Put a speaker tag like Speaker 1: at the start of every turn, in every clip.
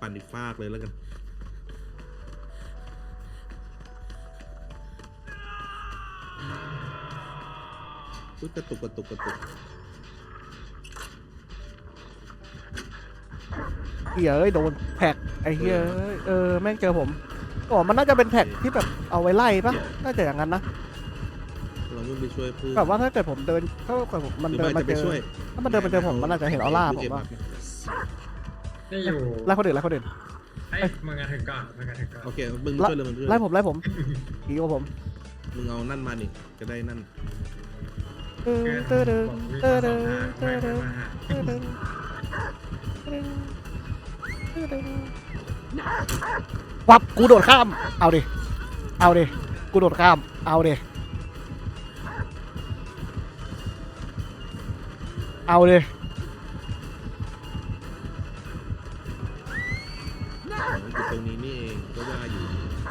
Speaker 1: ปั่นอีกฟากเลยแล้วกันกระตุก
Speaker 2: เหี้ยโดนแท็กไอ้เหี้ยแม่งเจอผมอ๋อมันน่าจะเป็นแท็กที่แบบเอาไว้ไล่ปะน่าจะอย่างนั้นนะ
Speaker 1: เราไม่ไปช่วยเพื่อน
Speaker 2: แบบว่าถ้าเกิดผมเดินถ้าเกิดมันเดินมาเจอถ้ามันเดินมาเจอผมมันอาจจะเห็นออร่าผมว่า
Speaker 3: นี่อยู่
Speaker 2: ไล่คนอื่น
Speaker 3: ไอ้มึงกันถึงก่อน
Speaker 1: โอเคมึงช่วยเลยมึงช่วย
Speaker 2: ไล่ผมผีกับผม
Speaker 1: มึงเอานั่นมานี่จะได้นั่น
Speaker 2: วับกูโดดข้ามเอาดิกูโดดข้ามเอาดิ
Speaker 1: อยู่ตรงนี้นี่เองก็ว่าอยู่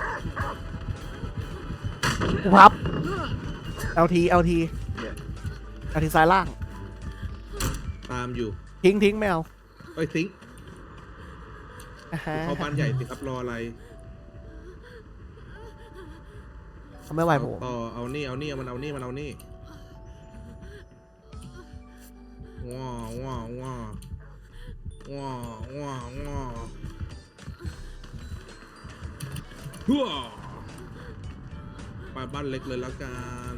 Speaker 2: กูพับเอาทีซ้ายล่าง
Speaker 1: ตามอยู่
Speaker 2: ทิ้งไม่เอา
Speaker 1: ไอ้ทิ้งเขาบ้านใหญ่สิครับรออะไร
Speaker 2: เขาไม่ไหวผม
Speaker 1: ต่อเอานี่มันเอานี่ว้าฮัวไปบ้านเล็กเลยแล้วกัน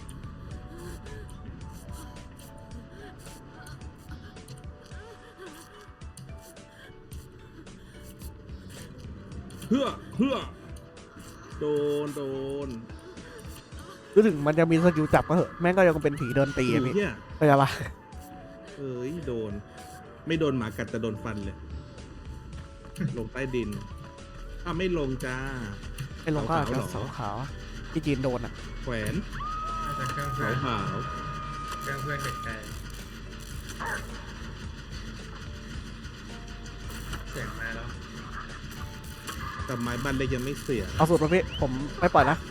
Speaker 1: เฮือโดน
Speaker 2: รู้ถึงมันจะมีสกิลจับก็เหอะแม่งก็ยังเป็นผีเดินตีอะพี่เข้าใจปะ
Speaker 1: โดนไม่โดนหมากัดแต่โดนฟันเลยลงใต้ดินไม่ลงจ้า
Speaker 2: ไอ้ลงก็จะเสาขาวที่จีนโดนอ่ะ
Speaker 1: แขวน
Speaker 3: เครื่อง
Speaker 1: ขาว
Speaker 3: เพื่อนเด็กไกลเสียงมาแล้ว
Speaker 1: แต่ไม้บ้านเล็กยังไม่เสีย
Speaker 2: เอาสูตรประเภทผมไม่ปล่อยนะ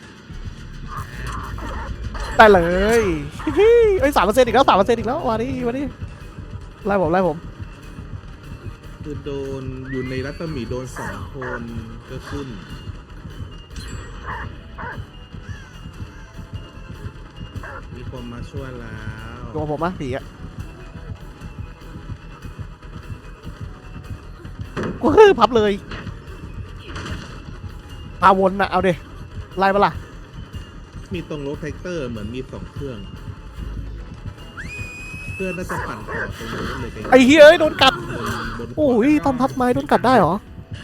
Speaker 2: ได้เลยเอ้ย3%อีกแล้วอีกแล้ววันนี้ไล่ผม
Speaker 1: คือโดนอยู่ในรัศมีโดน2 คนก็ขึ้นมีคนมาช่วยแล้ว
Speaker 2: ตัวผมผีอ่ะกูพับเลยพาวนนะเอาดิไล่ปะล่ะ
Speaker 1: มีตรงรถแท็กเตอร์เหมือนมี2 เครื่องน่าจะปั่นต่อตรงนู้นเลย
Speaker 2: ไอ้เฮ้ยโดนกัดโอ้ยตอนพับไม้โดนกัดได้เหรอ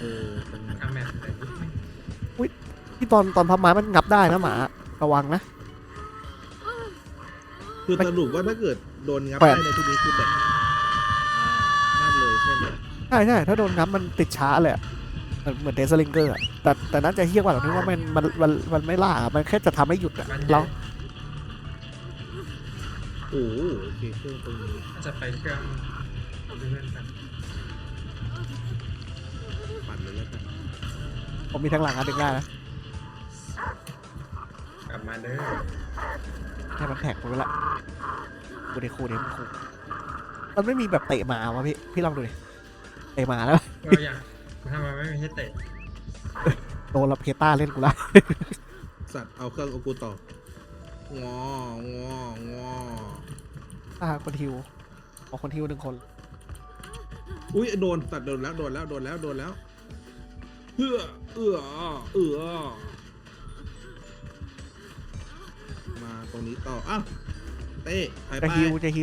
Speaker 2: อุ้ยที่ตอนพับไม้มันงับได้นะหมาระวังนะ
Speaker 1: คือสรุปว่าถ้าเกิดโดนงับได้ในที่นี้คือแบบนั่นเลยใช่ไหม
Speaker 2: ใช่ถ้าโดนงับมันติดช้าเลยเหมือนเดซลิงเกอร์แต่นั้นจะเฮี้ยกว่าตรงที่ว่ามันไม่ล่ามันแค่จะทำให้หยุดอะแล้ว
Speaker 1: โอเคเครื่องตรงนี้
Speaker 3: จะไปเครื่องเพื่อนกัน
Speaker 1: ปั่นเลยแล้วกัน
Speaker 2: ผมมีทั้งหลังอันดึงได้นะ
Speaker 3: กลับมาเด้อ
Speaker 2: ให้มันแท็กไปละคูมันมันไม่มีแบบเตะหมาวะพี่ลองดูดิเตะหมาแล้ว
Speaker 3: อยากทำไมไม่มีให้เตะ
Speaker 2: โดนละเพต้าเล่นกูละ
Speaker 1: สัตว์เอาเครื่องกูต่อ
Speaker 2: คนฮิวคนฮิว1 คน
Speaker 1: อุ้ยโดนสัตว์โดนแล้วเอื้อมาตรงนี้ต่อเต้ไป
Speaker 2: จะฮิวที่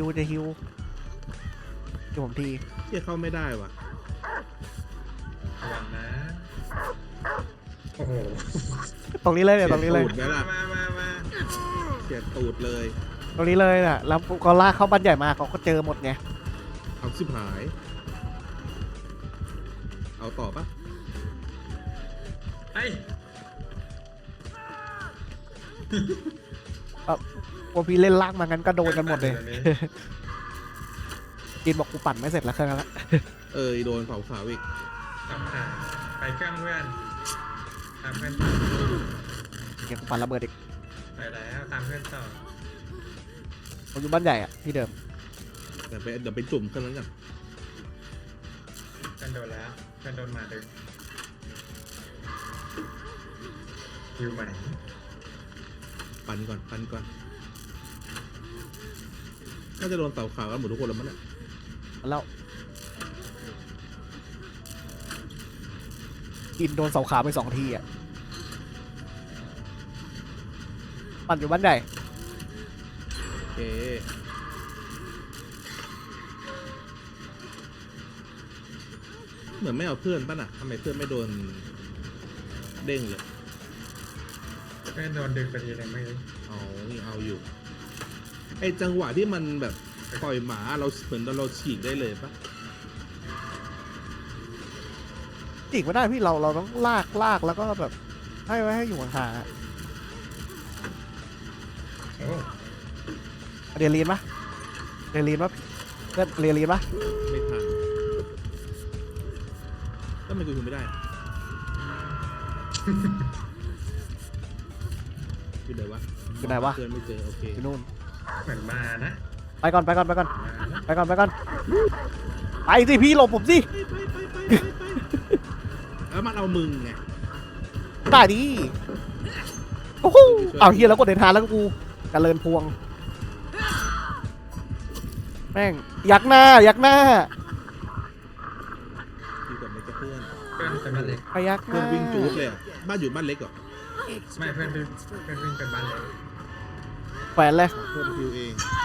Speaker 2: ผมที
Speaker 1: ที่เข้าไม่ได้ว่ะ
Speaker 3: ระวังนะโอ้โห
Speaker 2: ตรงนี้เลย
Speaker 1: มาเสียตูดเลย
Speaker 2: ตรงนี้เลยน่ะแล้วก็ลากเข้าบ้านใหญ่มาเขาก็เจอหมดไง
Speaker 1: เอาชิบหายเอาต่อปะ
Speaker 2: พอพี่เล่นลากมางั้นก็โดนกันหมดเลยกินบอกกูปั่นไม่เสร็จแล้วเครื่องนั้นละ
Speaker 1: โดนเผาขาวอีก
Speaker 3: ไปเครื่องเพื่อนตามเพื่อน
Speaker 2: เก็บปั่นระเบิดอีก
Speaker 3: ไปแล้วตามเพื่อนต่อ
Speaker 2: ผมอยู่บ้านใหญ่อะที่เดิม
Speaker 1: เดี๋ยวไปจุ่มเครื่องนั้นกัน
Speaker 3: โดนแล้วเพื่อนโดนหมาดึงอยู่ไหม
Speaker 1: ปั่นก่อนน่าจะโดนเต่าขาวกันหมดทุกคนแล้วมั้งเนี่ย
Speaker 2: แล้วกินโดนเสาขาไป2 ทีอ่ะปั่นอยู่บ้านใหญ่
Speaker 1: โอเคเหมือนไม่เอาเพื่อนป่ะน่ะทำไมเพื่อนไม่โดนเด้งเลย
Speaker 3: เพื่อนโดนดึงไปทีนึงไม่รู้
Speaker 1: เอานี่เอาอยู่ไอจังหวะที่มันแบบปล่อยหมาเราเหมือนเราฉีกได้เลยปะ
Speaker 2: จีกไม่ได้พี่เราต้องลากแล้วก็แบบให้ไว้ให้อยู่ห่างๆอะ
Speaker 3: โอ้
Speaker 2: เรียนปะเรียนปะเพื่อนเรียนปะ
Speaker 1: ไม่ทันแล้วทำไมกูถึงไม่ได้อยู่ไหนวะ
Speaker 2: อยู่ไหนวะ
Speaker 1: เพื่อนไม่เจอโอเค
Speaker 2: อยู่นู่น
Speaker 3: เหมือนมานะ
Speaker 2: ไปก่อน
Speaker 3: มานะ
Speaker 2: ไปสิพี่หลบผมสิ
Speaker 1: ไปแล้วมันเอามึงไง
Speaker 2: ได้ดิโอ้โหเอาเฮียแล้วกดเดินทางแล้วก็กูกระเลินพวงแม่งยักหน้า
Speaker 1: ดีกว่าไม่จะเพื่อน
Speaker 3: เพื่อนเป็นบ้านเล็ก
Speaker 2: ไปยักห
Speaker 1: เพื่อ
Speaker 2: น้าน
Speaker 1: วิ่งจูดเลยอะบ้านอยู่บ้านเล็กเหรอ
Speaker 3: ไม่เพื่อนวิ่งเป็นบ้านเล็ก
Speaker 2: แขวนเลย
Speaker 1: เพื่อนพิวเอง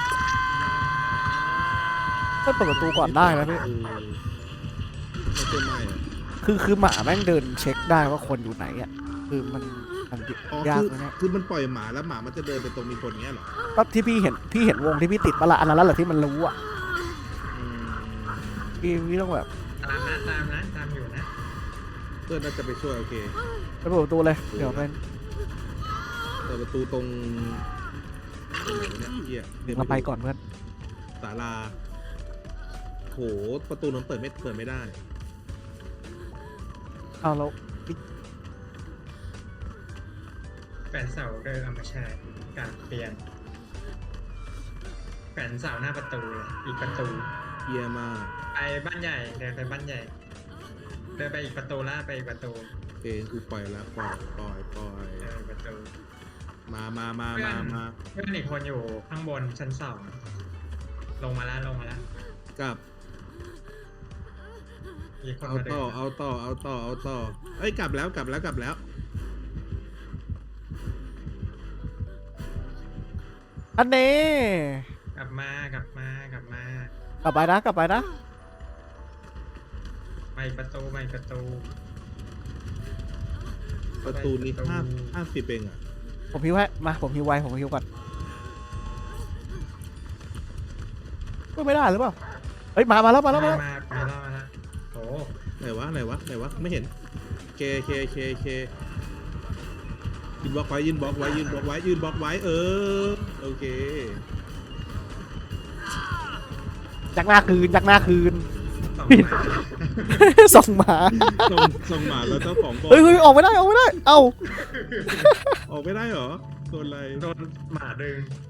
Speaker 2: เปิดประตูก่อนได้นะพี่
Speaker 1: ไม่ใช่ไม่อะ
Speaker 2: คือหมาแม่งเดินเช็คได้ว่าคนอยู่ไหนอ่ะคือมัน
Speaker 1: อ๋อย
Speaker 2: าก
Speaker 1: คือ
Speaker 2: นะเนี่ย
Speaker 1: คือมันปล่อยหมาแล้วหมามันจะเดินไปตรงมีคนเงี้ยเหรอ
Speaker 2: ก็ที่พี่เห็นวงที่พี่ติดปะละอันนั้นแหละที่มันรู้อ่ะ
Speaker 1: อืม
Speaker 2: พี่ต้องแบบ
Speaker 3: ตามอยู่นะ
Speaker 1: เพื่อนน่าจะไปช่วยโอเค
Speaker 2: ไปเปิดประตูเลยเดี๋ยวเป็น
Speaker 1: เปิดประตูตรงไหนวะเนี่ยเฮียดิน
Speaker 2: เราไปก่อนเพื่อน
Speaker 1: ศาลาโหประตูนั้นเปิดไม่ได้
Speaker 2: เอาเรา
Speaker 3: แขวนเสาเดินเอามาใช้การเปลี่ยนแขวนเสาหน้าประตูเลยอีกประตู
Speaker 1: เฮียมาก
Speaker 3: ไปบ้านใหญ่เดินไปบ้านใหญ่เดินไปอีกประตูล่าไปอีกประตู
Speaker 1: โอเคกูปล่อยแล้วปล่อย
Speaker 3: เดินไปประตู
Speaker 1: มา
Speaker 3: เพื่อนอีกคนอยู่ข้างบนชั้น2ลงมาแล้ว
Speaker 1: กลับ
Speaker 3: อีกคน
Speaker 1: เอา
Speaker 3: มาเดิ
Speaker 1: ต่อน เอาต่อเอ้ยกลับแล้ว
Speaker 2: อันนี้
Speaker 3: กลับมาก
Speaker 2: กลับไปนะ
Speaker 3: มาอีกประตู
Speaker 1: ประตูนี้50เองอ่ะ
Speaker 2: ผมพิวให้มาผมพิวไวผมพิวก่อนก็ไม่ได้หรือเปล่าเฮ้ยมาแล้ว
Speaker 3: มาแล้วโอ้
Speaker 1: ไหนวะไม่เห็นเคยืนบล็อกไว้เออโอเค
Speaker 2: ยักหน้าคืน
Speaker 3: สองมา
Speaker 2: ส่งหมา
Speaker 1: ส่งหมาแล้วเจ้าของบอก
Speaker 2: เฮ้ยออกไม่ได้ เอ้า
Speaker 1: ออกไม่ได้เหรอโดนอะไร
Speaker 3: โดนหมาดึง